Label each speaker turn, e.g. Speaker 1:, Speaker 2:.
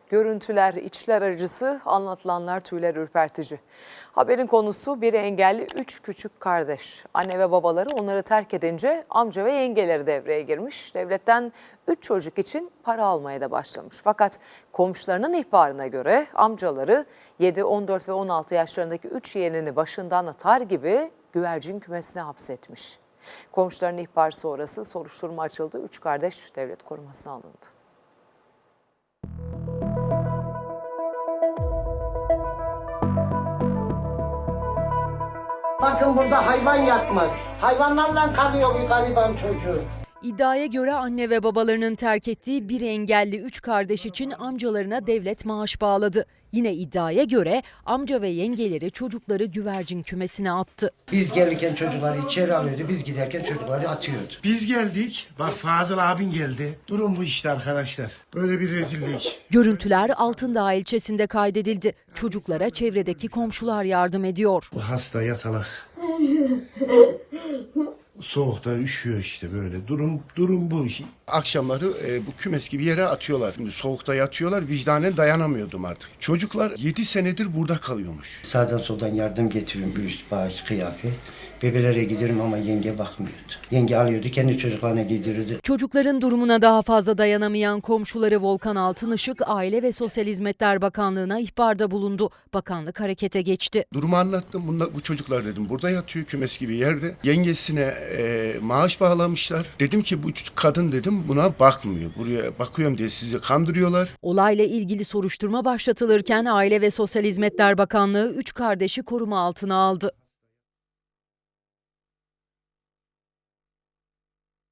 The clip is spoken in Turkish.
Speaker 1: Görüntüler içler acısı, anlatılanlar tüyler ürpertici. Haberin konusu biri engelli 3 küçük kardeş. Anne ve babaları onları terk edince amca ve yengeleri devreye girmiş. Devletten 3 çocuk için para almaya da başlamış. Fakat komşularının ihbarına göre amcaları 7, 14 ve 16 yaşlarındaki 3 yeğenini başından atar gibi güvercin kümesine hapsetmiş. Komşuların ihbarı sonrası soruşturma açıldı. 3 kardeş devlet korumasına alındı.
Speaker 2: Bakın burada hayvan yatmaz. Hayvanlarla kalıyor bir gariban çocuğu.
Speaker 3: İddiaya göre anne ve babalarının terk ettiği bir engelli 3 kardeş için amcalarına devlet maaş bağladı. Yine iddiaya göre amca ve yengeleri çocukları güvercin kümesine attı.
Speaker 2: Biz gelirken çocukları içeri alıyordu, biz giderken çocukları atıyordu.
Speaker 4: Biz geldik, bak Fazıl abin geldi. Durum bu işte arkadaşlar. Böyle bir rezillik.
Speaker 3: Görüntüler Altındağ ilçesinde kaydedildi. Çocuklara çevredeki komşular yardım ediyor.
Speaker 4: Bu hasta yatalak. Soğukta üşüyor işte böyle. Durum bu.
Speaker 5: Akşamları bu kümes gibi yere atıyorlar. Şimdi soğukta yatıyorlar, vicdanen dayanamıyordum artık. Çocuklar 7 senedir burada kalıyormuş.
Speaker 2: Sağdan soldan yardım getiriyorum, bir üst bağış, kıyafet. Bebelere gidiyorum ama yenge bakmıyordu. Yenge alıyordu, kendi çocuklarına giydirirdi.
Speaker 3: Çocukların durumuna daha fazla dayanamayan komşuları Volkan Altınışık, Aile ve Sosyal Hizmetler Bakanlığı'na ihbarda bulundu. Bakanlık harekete geçti.
Speaker 5: Durumu anlattım. Bu çocuklar dedim burada yatıyor kümes gibi yerde. Yengesine maaş bağlamışlar. Dedim ki bu kadın dedim buna bakmıyor. Buraya bakıyorum diye sizi kandırıyorlar.
Speaker 3: Olayla ilgili soruşturma başlatılırken Aile ve Sosyal Hizmetler Bakanlığı 3 kardeşi koruma altına aldı.